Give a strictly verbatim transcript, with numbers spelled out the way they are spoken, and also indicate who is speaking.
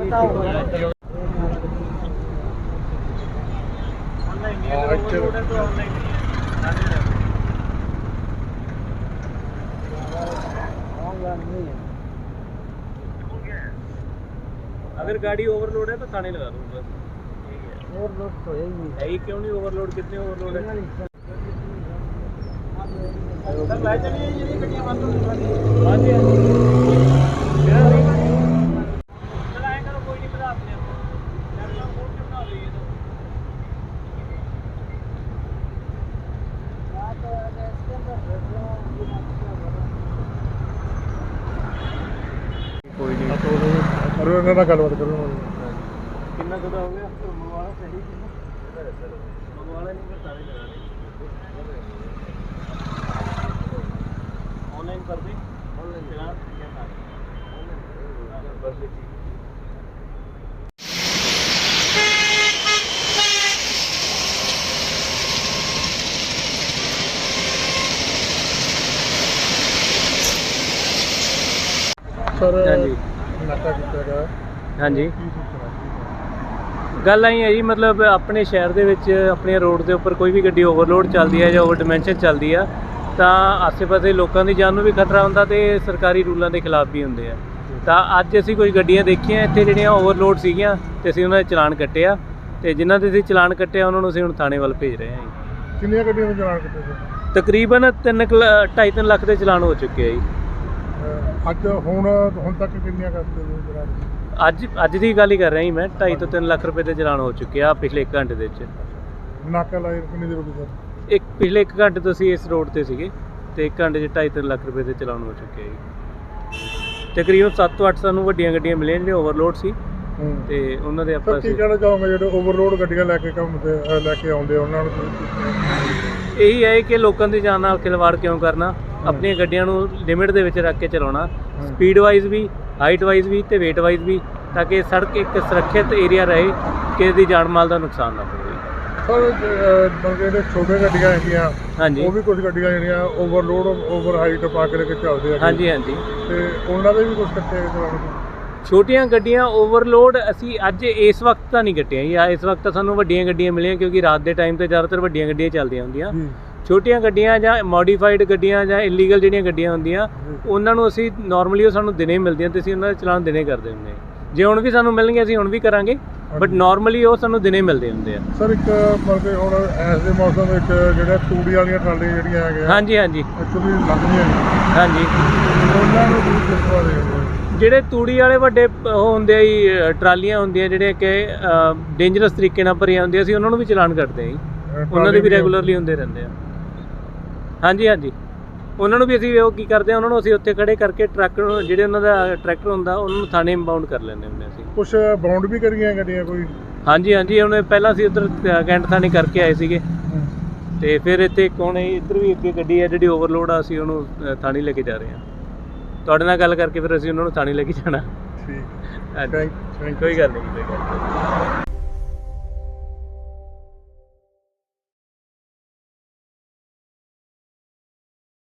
Speaker 1: अगर गाड़ी ओवरलोड है तो थाने लगा दूँ बस।
Speaker 2: ओवरलोड तो है ही नहीं
Speaker 1: है ही क्यों नहीं ओवरलोड? कितने ओवरलोड है? सर भाई चलिए ये गड्डियां बंद हो गई। हाँ जी मेरा नहीं चलाएं करो, कोई नहीं पता आपने आपको फोन क्यों ना हो रही है तो कोई नहीं
Speaker 3: करो ਇਹਨਾਂ ਨਾਲ ਗੱਲਬਾਤ ਕਰੋ।
Speaker 1: कितना ज़्यादा हो गया मंगवाना सही मंगवाना नहीं कर सारे लगा ऑनलाइन कर दें ऑनलाइन चला बस ठीक।
Speaker 3: ਸਰ
Speaker 1: हाँ जी
Speaker 3: ਨਾਕਾ ਕੀਤਾ ਗਿਆ
Speaker 1: हाँ जी
Speaker 3: ਕੀ ਸੂਚਨਾ
Speaker 1: ਗੱਲ ਆਈ ਹੈ ਜੀ, ਮਤਲਬ ਆਪਣੇ ਸ਼ਹਿਰ ਦੇ ਵਿੱਚ ਆਪਣੇ ਰੋਡ ਦੇ ਉੱਪਰ ਕੋਈ ਵੀ ਗੱਡੀ ਓਵਰਲੋਡ ਚੱਲਦੀ ਹੈ ਜਾਂ ਓਵਰ ਡਿਮੈਂਸ਼ਨ ਚੱਲਦੀ ਆ ਤਾਂ ਆਸੇ-ਪਾਸੇ ਲੋਕਾਂ ਦੀ ਜਾਨ ਨੂੰ ਵੀ ਖਤਰਾ ਹੁੰਦਾ ਤੇ ਸਰਕਾਰੀ ਰੂਲਾਂ ਦੇ ਖਿਲਾਫ ਵੀ ਹੁੰਦੇ ਆ। ਤਾਂ ਅੱਜ ਅਸੀਂ ਕੁਝ ਗੱਡੀਆਂ ਦੇਖੀਆਂ ਇੱਥੇ ਜਿਹੜੀਆਂ ਓਵਰਲੋਡ ਸੀਗੀਆਂ ਤੇ ਅਸੀਂ ਉਹਨਾਂ ਦੇ ਚਲਾਨ ਕੱਟਿਆ ਤੇ ਜਿਨ੍ਹਾਂ ਦੇ ਅਸੀਂ ਚਲਾਨ ਕੱਟਿਆ ਉਹਨਾਂ ਨੂੰ ਅਸੀਂ ਹੁਣ ਥਾਣੇ ਵੱਲ ਭੇਜ ਰਹੇ ਹਾਂ ਜੀ।
Speaker 3: ਕਿੰਨੀਆਂ ਗੱਡੀਆਂ ਨੂੰ ਚਲਾਨ ਕੀਤੇ ਸਰ?
Speaker 1: ਤਕਰੀਬਨ ਤਿੰਨ ਢਾਈ ਤਿੰਨ ਲੱਖ ਦੇ ਚਲਾਨ ਹੋ ਚੁੱਕੇ ਆ ਜੀ।
Speaker 3: ਅੱਜ ਹੁਣ ਹੁਣ ਤੱਕ ਕਿੰਨੀਆਂ ਕਰਤੇ ਹੋ ਚਲਾਨ?
Speaker 1: ਅੱਜ ਅੱਜ ਦੀ ਗੱਲ ਹੀ ਕਰ ਰਿਹਾ ਜੀ ਮੈਂ, ਢਾਈ ਤੋਂ ਤਿੰਨ ਲੱਖ ਰੁਪਏ ਦੇ ਚਲਾਨ ਹੋ ਚੁੱਕੇ ਆ ਪਿਛਲੇ ਇੱਕ ਘੰਟੇ ਦੇ ਵਿੱਚ।
Speaker 3: ਨਾਕਾ ਲਾਏ ਕਿੰਨੀ ਦੇਰ ਹੋ ਗਈ ਸਰ?
Speaker 1: ਇੱਕ ਪਿਛਲੇ ਇੱਕ ਘੰਟੇ ਤੋਂ ਅਸੀਂ ਇਸ ਰੋਡ ਤੇ ਸੀਗੇ ਤੇ ਇੱਕ ਘੰਟੇ 'ਚ ਢਾਈ ਤਿੰਨ ਲੱਖ ਰੁਪਏ ਦੇ ਚਲਾਨ ਹੋ ਚੁੱਕੇ ਆ ਜੀ। ਤਕਰੀਬਨ ਸੱਤ ਤੋਂ ਅੱਠ ਸਾਨੂੰ ਵੱਡੀਆਂ ਗੱਡੀਆਂ ਮਿਲੀਆਂ ਜਿਹੜੀਆਂ ਓਵਰਲੋਡ ਸੀ ਤੇ ਉਹਨਾਂ ਦੇ ਆਪਾਂ
Speaker 3: ਕੀ ਕਹਿਣਾ ਚਾਹੋਗੇ ਜਿਹੜੇ ਓਵਰਲੋਡ ਗੱਡੀਆਂ ਲੈ ਕੇ ਕੰਮ ਤੇ ਲੈ ਕੇ ਆਉਂਦੇ ਉਹਨਾਂ ਨੂੰ?
Speaker 1: ਇਹੀ ਹੈ ਕਿ ਲੋਕਾਂ ਦੀ ਜਾਨ ਨਾਲ ਖਿਲਵਾੜ ਕਿਉਂ ਕਰਨਾ, ਆਪਣੀਆਂ ਗੱਡੀਆਂ ਨੂੰ ਲਿਮਿਟ ਦੇ ਵਿੱਚ ਰੱਖ ਕੇ ਚਲਾਉਣਾ, ਸਪੀਡ ਵਾਈਜ਼ ਵੀ, ਹਾਈਟ ਵਾਈਜ਼ ਵੀ ਤੇ weight ਵਾਈਜ਼ ਵੀ, ਤਾਂ ਕਿ ਸੜਕ ਇੱਕ ਸੁਰੱਖਿਅਤ ਏਰੀਆ ਰਹੇ, ਕਿਸੇ ਦੀ ਜਾਨ ਮਾਲ ਦਾ ਨੁਕਸਾਨ ਨਾ ਹੋਵੇ।
Speaker 3: ਸਰ ਜਿਹੜੇ ਛੋਟੇ ਗੱਡੀਆਂ ਹੈਗੀਆਂ
Speaker 1: ਹਾਂਜੀ
Speaker 3: ਉਹ ਵੀ ਕੁਝ ਗੱਡੀਆਂ ਜਿਹੜੀਆਂ ਓਵਰਲੋਡ ਓਵਰ ਹਾਈਟ ਪਾ ਕੇ ਲੈ ਕੇ ਚੱਲਦੇ ਆ
Speaker 1: ਹਾਂਜੀ ਹਾਂਜੀ
Speaker 3: ਤੇ ਉਹਨਾਂ ਦੇ ਵੀ ਕੁਝ ਕੱਟੇ ਚਲਾਉਣ?
Speaker 1: ਛੋਟੀਆਂ ਗੱਡੀਆਂ ਓਵਰਲੋਡ ਅਸੀਂ ਅੱਜ ਇਸ ਵਕਤ ਤਾਂ ਨਹੀਂ ਕੱਟੀਆਂ ਜੀ, ਇਸ ਵਕਤ ਤਾਂ ਸਾਨੂੰ ਵੱਡੀਆਂ ਗੱਡੀਆਂ ਮਿਲੀਆਂ ਕਿਉਂਕਿ ਰਾਤ ਦੇ ਟਾਈਮ ਤੇ ਜ਼ਿਆਦਾਤਰ ਵੱਡੀਆਂ ਗੱਡੀਆਂ ਚੱਲਦੀਆਂ ਹੁੰਦੀਆਂ। ਛੋਟੀਆਂ ਗੱਡੀਆਂ ਜਾਂ ਮੋਡੀਫਾਈਡ ਗੱਡੀਆਂ ਜਾਂ ਇਲੀਗਲ ਜਿਹੜੀਆਂ ਗੱਡੀਆਂ ਹੁੰਦੀਆਂ ਉਹਨਾਂ ਨੂੰ ਅਸੀਂ ਨਾਰਮਲੀ ਉਹ ਸਾਨੂੰ ਦਿਨੇ ਮਿਲਦੀਆਂ ਤੇ ਅਸੀਂ ਉਹਨਾਂ ਦਾ ਚਲਾਨ ਦਿਨੇ ਕਰਦੇ ਹੁੰਦੇ ਹਾਂ। ਜੇ ਹੁਣ ਵੀ ਸਾਨੂੰ ਮਿਲਣਗੇ ਅਸੀਂ ਹੁਣ ਵੀ ਕਰਾਂਗੇ, ਬਟ ਨਾਰਮਲੀ ਉਹ ਸਾਨੂੰ ਦਿਨੇ ਮਿਲਦੇ ਹੁੰਦੇ ਆ।
Speaker 3: ਸਰ ਇੱਕ ਮਤਲਬ ਕਿ ਹੁਣ ਇਸ ਦੇ ਮੌਸਮ ਵਿੱਚ ਜਿਹੜੇ ਤੂੜੀ ਵਾਲੀਆਂ ਟਰਾਲੀਆਂ ਜਿਹੜੀਆਂ ਹੈਗੀਆਂ
Speaker 1: ਹਾਂਜੀ ਹਾਂਜੀ
Speaker 3: ਐਕਚੁਅਲੀ ਲੱਗਦੀਆਂ ਨੇ
Speaker 1: ਹਾਂਜੀ
Speaker 3: ਉਹਨਾਂ ਨੂੰ ਵੀ ਕਿਸਵਾ ਦੇ
Speaker 1: ਜਿਹੜੇ ਤੂੜੀ ਵਾਲੇ ਵੱਡੇ ਉਹ ਹੁੰਦੇ ਆ ਜੀ ਟਰਾਲੀਆਂ ਹੁੰਦੀਆਂ ਜਿਹੜੀਆਂ ਕਿ ਡੇਂਜਰਸ ਤਰੀਕੇ ਨਾਲ ਭਰੀਆਂ ਹੁੰਦੀਆਂ, ਅਸੀਂ ਉਹਨਾਂ ਨੂੰ ਵੀ ਚਲਾਨ ਕੱਟਦੇ ਹਾਂ ਜੀ। ਉਹਨਾਂ ਦੇ ਵੀ ਰੈਗੂਲਰਲੀ ਹੁੰਦੇ ਰਹਿੰਦੇ ਆ। ਹਾਂਜੀ ਹਾਂਜੀ ਉਹਨਾਂ ਨੂੰ ਵੀ ਅਸੀਂ ਉਹ ਕੀ ਕਰਦੇ ਹਾਂ, ਉਹਨਾਂ ਨੂੰ ਅਸੀਂ ਉੱਥੇ ਖੜੇ ਕਰਕੇ ਟਰੱਕ ਨੂੰ ਜਿਹੜੇ ਉਹਨਾਂ ਦਾ ਟਰੈਕਟਰ ਹੁੰਦਾ ਉਹਨਾਂ ਨੂੰ ਥਾਣੇ ਇੰਬਾਊਂਡ ਕਰ ਲੈਂਦੇ ਹੁੰਦੇ ਅਸੀਂ।
Speaker 3: ਕੁਛ ਬਾਉਂਡ ਵੀ ਕਰੀਆਂ ਗੱਡੀਆਂ ਕੋਈ?
Speaker 1: ਹਾਂਜੀ ਹਾਂਜੀ ਹੁਣ ਪਹਿਲਾਂ ਅਸੀਂ ਉੱਧਰ ਕੈਂਟ ਥਾਣੇ ਕਰਕੇ ਆਏ ਸੀਗੇ ਤੇ ਫਿਰ ਇੱਥੇ ਇੱਕ ਹੁਣ ਇੱਧਰ ਵੀ ਅੱਗੇ ਗੱਡੀ ਹੈ ਜਿਹੜੀ ਓਵਰਲੋਡ ਆ, ਅਸੀਂ ਉਹਨੂੰ ਥਾਣੇ ਲੈ ਕੇ ਜਾ ਰਹੇ ਹਾਂ। ਤੁਹਾਡੇ ਨਾਲ ਗੱਲ ਕਰਕੇ ਫਿਰ ਅਸੀਂ ਉਹਨਾਂ ਨੂੰ ਥਾਣੇ ਲੈ ਕੇ ਜਾਣਾ।
Speaker 3: ਠੀਕ,
Speaker 1: ਹਾਂਜੀ
Speaker 3: ਥੈਂਕ
Speaker 1: ਕੋਈ ਗੱਲ ਨਹੀਂ ਕੋਈ ਗੱਲ